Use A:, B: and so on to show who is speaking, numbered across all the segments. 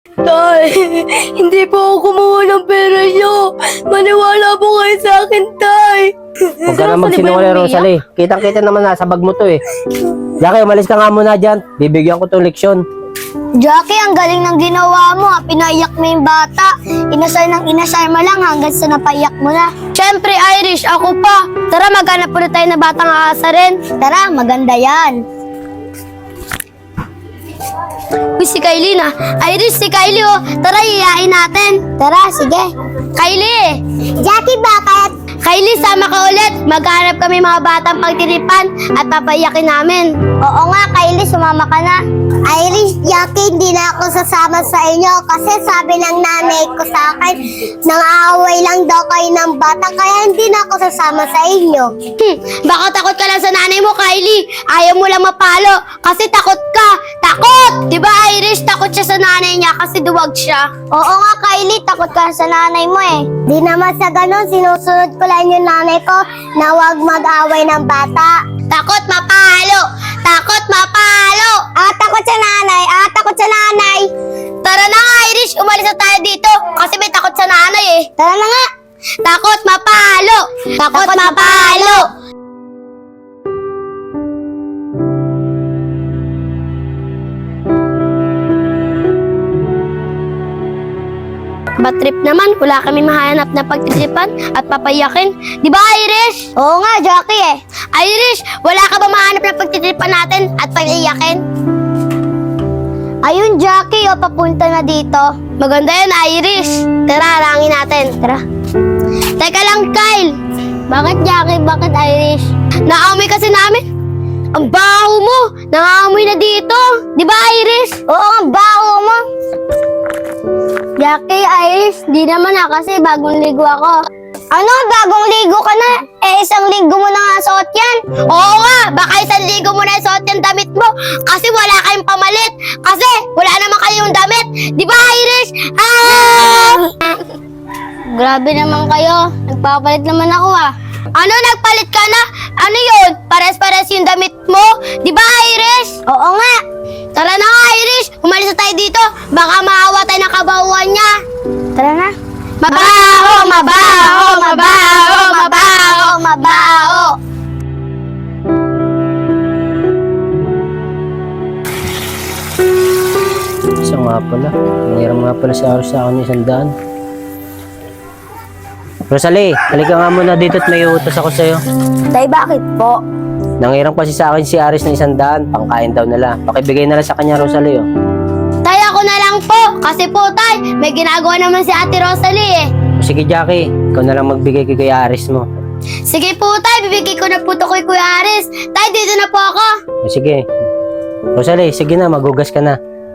A: Tay, hindi po ako kumuha ng pera niyo. Maniwala po kayo sa akin, Tay.
B: Huwag ka na magsinungaling, Rosalie. Kitang-kita naman nasa bag mo to eh. Jackie, umalis ka nga muna dyan. Bibigyan ko tong leksyon.
C: Jackie, ang galing ng ginawa mo. Pinaiyak mo yung bata. Inasar ng inasar mo lang hanggang sa napaiyak mo na.
A: Siyempre, Irish, ako pa. Tara, maghanap ulit tayo na batang aasarin.
C: Tara, maganda yan.
A: Uy, si Kylie na. Irish, si Kylie, oh. Tara, iyain natin.
C: Tara, sige.
A: Kylie!
C: Jackie, bakit?
A: Kylie, sama ka ulit. Maghanap kami mga batang pagtiripan at papaiyakin namin.
C: Oo nga, Kylie, sumama ka na. Irish, Jackie, hindi na ako sasama sa inyo kasi sabi ng nanay ko sa akin, nang-aaway lang daw kayo ng bata kaya hindi na ako sasama sa inyo.
A: Baka takot ka lang sa nanay mo, Kylie. Ayaw mo lang mapalo kasi takot ka. Takot! Di ba, Irish? Takot siya sa nanay niya kasi duwag siya.
C: Oo nga, Kylie, takot ka sa nanay mo eh. Di naman sa ganun, sinusunod ko lang yung nanay ko na huwag mag-away ng bata.
A: Takot mapalo! Takot mapalo!
C: Takot sa nanay! Takot sa nanay!
A: Tara na nga, Irish. Umalis na tayo dito kasi may takot sa nanay eh.
C: Tara na nga!
A: Takot mapalo! Takot mapalo! Bad trip naman, wala kami mahanap na pagtitipan at papayakin. Di ba, Irish?
C: Oo nga, Jackie eh.
A: Irish, wala ka ba mahanap na pagtitipan natin at pag-iyakin?
C: Ayun, Jackie, papunta na dito.
A: Maganda yan, Irish. Tara, harangin natin. Tara. Teka lang, Kyle.
C: Bakit, Jackie? Bakit, Irish?
A: Naamoy kasi namin. Ang baho mo. Nangamoy na dito. Di ba, Iris?
C: Oo, ang baho mo. Jackie, Irish, di naman kasi bagong ligo ako. Ano? Bagong ligo ka na? Isang linggo mo na nga suot yan.
A: Oo nga, baka isang ligo mo na suot yung damit mo kasi wala kayong pamalit. Kasi wala naman kayong damit. Di ba, Iris?
C: Grabe naman kayo. Nagpapalit naman ako ah.
A: Ano, nagpalit ka na? Ano yun? Pares-pares yung damit mo? Di ba, Iris?
C: Oo nga.
A: Tara na nga, Iris. Umalis na tayo dito. Baka maawa tayo ng kabahuan niya.
C: Tara na.
A: Mabaho, mabaho, mabaho, mabaho, mabaho.
B: Isa nga pala. Nangiram nga pala si Aros sa akin 100. Rosalie, halika nga muna dito at may utos ako sa'yo.
C: Tay, bakit po?
B: Nangiram kasi sa akin si Aris ng 100. Pangkain daw nila. Pakibigay na lang sa kanya, Rosalie. Oh.
A: Tay, ako na lang po. Kasi po, tay, may ginagawa naman si Ate Rosalie eh.
B: Sige, Jackie. Ikaw na lang magbigay kay Kuya Aris mo.
A: Sige po, tay, bibigay ko na po to kay Kuya Aris. Tay, dito na po ako.
B: Sige. Rosalie, sige na. Magugas ka na.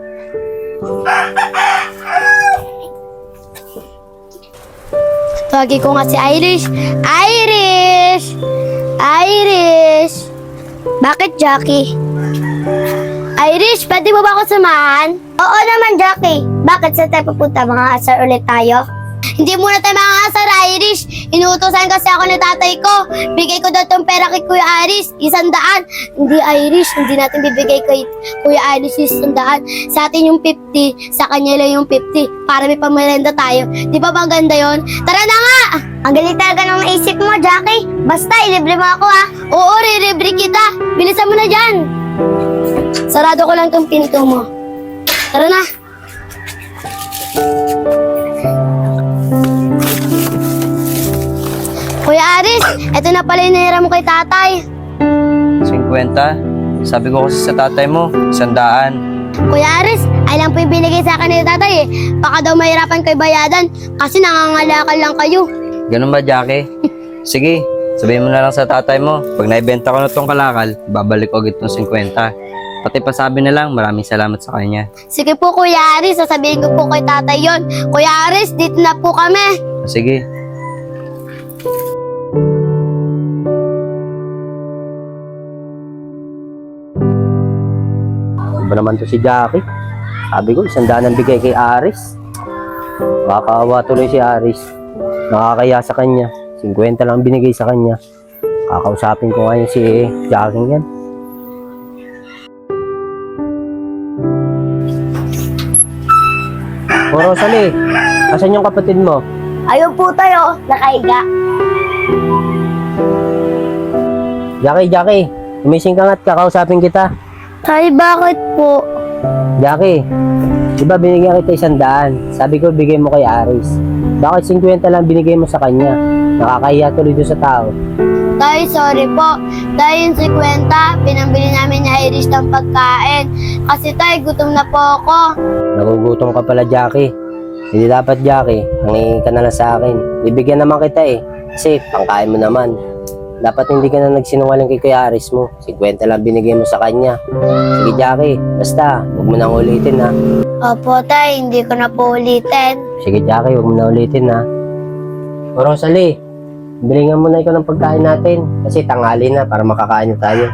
A: Tawagin ko nga si Irish. Irish! Irish!
C: Bakit, Jackie?
A: Irish, pwede mo ba ako samahan?
C: Oo naman, Jackie. Bakit sa tayo pupunta? Mga asar ulit tayo?
A: Hindi muna tayo makakasar, Irish. Inuutosan kasi ako ni tatay ko. Bigay ko daw tong pera kay Kuya Iris, 100. Hindi, Irish. Hindi natin bibigay kay Kuya Iris yung 100. Sa atin yung 50, sa kanya lang yung 50. Para may pamerenda tayo. Di ba bang ganda yun? Tara na nga!
C: Ang galing talaga ng naisip mo, Jackie. Basta, ilibre mo ako ah.
A: Oo, re-rebre kita. Bilisan mo na dyan. Sarado ko lang tong pinto mo. Tara na. Kuya Aris, eto na pala yung nahira mo kay tatay.
D: 50? Sabi ko kasi sa tatay mo, 100.
A: Kuya Aris, ay lang po yung binigay sa akin ni tatay eh. Baka daw mahirapan kayo bayadan kasi nangangalakal lang kayo.
D: Ganun ba, Jackie? Sige, sabihin mo na lang sa tatay mo. Pag naibenta ko na tong kalakal, babalik ko agad tong 50. Pati pasabi na lang, maraming salamat sa kanya.
A: Sige po Kuya Aris, sasabihin ko po kay tatay yon. Kuya Aris, dito na po kami.
D: Sige.
B: Iba naman to si Jackie. Sabi ko, 100 ang bigay kay Aris. Makakaawa tuloy si Aris. Nakakaya sa kanya. 50 lang binigay sa kanya. Kakausapin ko ngayon si Jackie yan. O Rosalie, asan yung kapatid mo?
A: Ayun po tayo, nakaiga.
B: Jackie, umising ka nga't kakausapin kita.
A: Tay, bakit po?
B: Jackie, di ba binigyan kita 100? Sabi ko bigay mo kay Aris. Bakit 50 lang binigay mo sa kanya? Nakakahiya tuloy doon sa tao.
A: Tay, sorry po. Tay, yung 50, pinambili namin ni Irish ng pagkain. Kasi tay, gutom na po ako.
B: Nagugutom ka pala, Jackie. Hindi dapat, Jackie. Nangingin ka na lang sa akin. Bibigyan naman kita eh. Kasi pangkain mo naman. Dapat hindi ka na nagsinungaling kay Kuya Aris mo. 50 lang binigay mo sa kanya. Sige, Jackie. Basta, huwag mo nang ulitin ha.
A: Opo, tay, hindi ko na po ulitin.
B: Sige, Jackie. Huwag mo na ulitin ha. O Rosalie, bilingan mo na ikaw ng pagkain natin. Kasi tanghali na para makakain na tayo.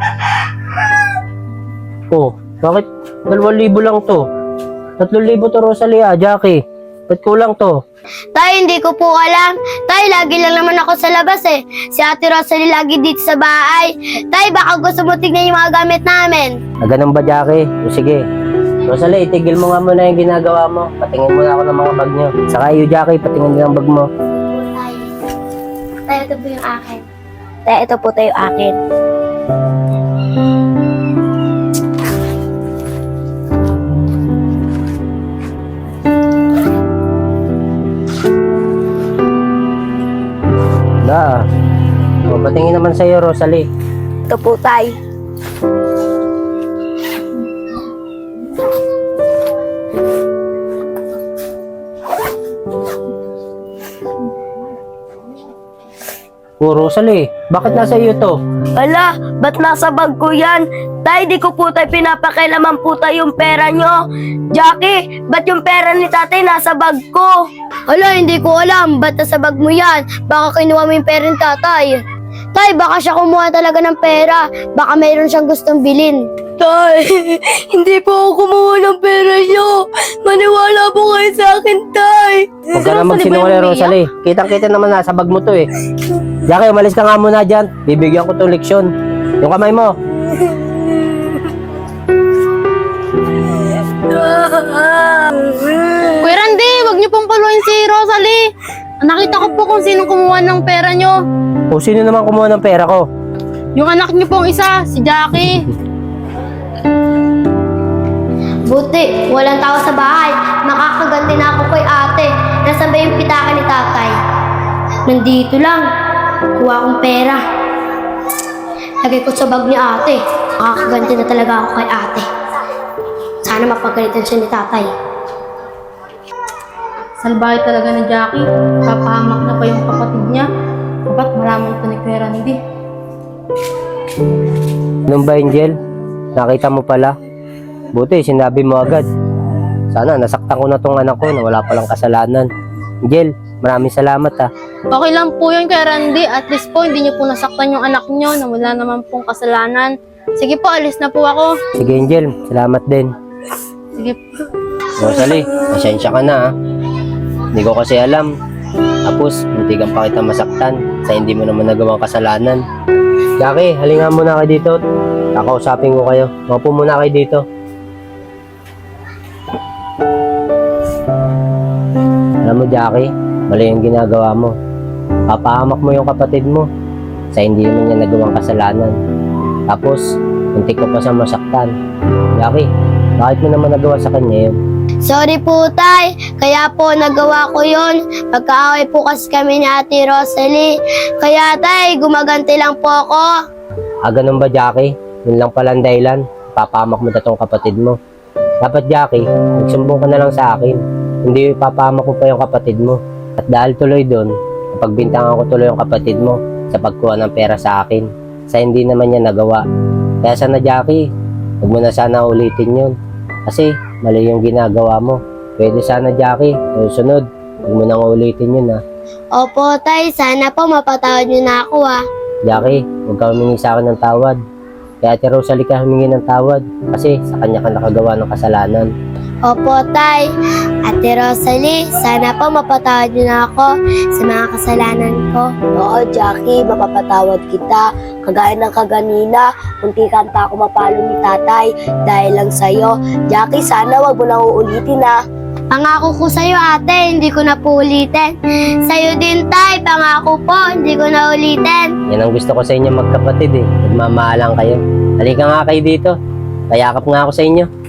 B: Oh, bakit 2,000 lang to? 3,000 to, Rosalie ah, Jackie. Ba't kulang to?
A: Tay, hindi ko po alam. Tay, lagi lang naman ako sa labas eh. Si Ate Rosalie lagi dito sa bahay. Tay, baka gusto mo tignan yung mga gamit namin.
B: Ganun ba, Jackie? O sige. Rosalie, itigil mo nga muna yung ginagawa mo. Patingin muna ako ng mga bag nyo. Saka iyo, Jackie, patingin din ang bag mo.
A: Tay, tay, ito po yung akin. Tay, ito po tayo akin.
B: Da. O, patingin naman sa'yo, Rosalie.
A: Ito po, tay.
B: O, Rosalie, bakit nasa iyo to?
A: Ala, ba't nasa bag ko yan? Tay, di ko po tayo pinapakailaman po tayo yung pera nyo. Jackie, ba't yung pera ni tatay nasa bag ko? Ala, hindi ko alam. Ba't nasa bag mo yan? Baka kinuha mo yung pera ni tatay. Tay, baka siya kumuha talaga ng pera. Baka mayroon siyang gustong bilhin. Tay, hindi po ako kumuha ng pera nyo. Maniwala po kayo sa akin, tay.
B: Huwag ka naman sinungaling, Rosalie. Kitang-kita naman nasa bag mo to eh. Jackie, umalis ka nga muna dyan. Bibigyan ko itong leksyon. Yung kamay mo.
E: Kuya Randy, wag niyo pong paluin si Rosalie. Nakita ko po kung sinong kumuha ng pera niyo.
B: O, sino naman kumuha ng pera ko?
E: Yung anak niyo pong isa, si Jackie.
A: Buti, walang tao sa bahay. Makakaganti na ako kay ate. Nasaan ba yung pitaka ni tatay? Nandito lang. Kuha akong pera. Lagay ko sa bag ni ate. Makakaganti na talaga ako kay ate. Sana mapagalitan siya ni tatay.
E: Salbahe talaga ni Jackie. Papahamak na pa yung kapatid niya. Dapat malaman ito ni Kuya Randy.
B: Anong ba, Angel? Nakita mo pala? Buti, sinabi mo agad. Sana, nasaktan ko na tong anak ko na wala palang kasalanan. Angel, maraming salamat ha.
E: Okay lang po yun, Kuya Randy. At least po, hindi niyo po nasaktan yung anak niyo na wala naman pong kasalanan. Sige po, alis na po ako.
B: Sige, Angel, salamat din.
E: Sige po.
B: Rosalie, pasensya ka na ha. Hindi ko kasi alam. Tapos, muntikan pa kita masaktan sa hindi mo naman nagawang kasalanan. Jackie, halinga muna kayo dito. Kakausapin ko kayo. Maupo muna kayo dito. Alam mo, Jackie, mali yung ginagawa mo. Papahamak mo yung kapatid mo sa hindi naman niya nagawang kasalanan. Tapos, muntik ko pa siya masaktan. Jackie, bakit mo naman nagawa sa kanya yun?
A: Sorry po, tay. Kaya po nagawa ko yun. Pagkaaway po kasi kami ni Ate Rosalie. Kaya tay, gumaganti lang po ako.
B: Ganun ba, Jackie? Yun lang pala ang dahilan. Papahamak mo na tong kapatid mo. Dapat, Jackie, magsumbong ka na lang sa akin. Hindi ipapahamak ko pa yung kapatid mo. At dahil tuloy doon, napagbintangan ko tuloy yung kapatid mo sa pagkuha ng pera sa akin. Sa hindi naman niya nagawa. Kaya sana, Jackie, huwag mo na sana ulitin yun. Kasi mali yung ginagawa mo. Pwede sana, Jackie, susunod. Huwag mo nang ulitin yun ha.
A: Opo, tay. Sana po mapatawad niyo na ako ah.
B: Jackie, huwag ka humingi sa akin ng tawad. Kaya Ate Rosalie ka humingi ng tawad. Kasi sa kanya ka nakagawa ng kasalanan.
A: Opo, tay. Ate Rosalie, sana po mapatawad niyo na ako sa mga kasalanan ko.
F: Oo, Jackie, mapapatawad kita. Kagaya ng kaganina, muntikan pa ako mapalo ni tatay dahil lang sa'yo. Jackie, sana wag mo na uulitin ha.
A: Pangako ko sa'yo, ate, hindi ko na po ulitin. Sa'yo din, tay, pangako po, hindi ko na ulitin.
B: Yan ang gusto ko sa inyo magkapatid eh. Nagmamahalan kayo. Halika nga kayo dito. Payakap nga ako sa inyo.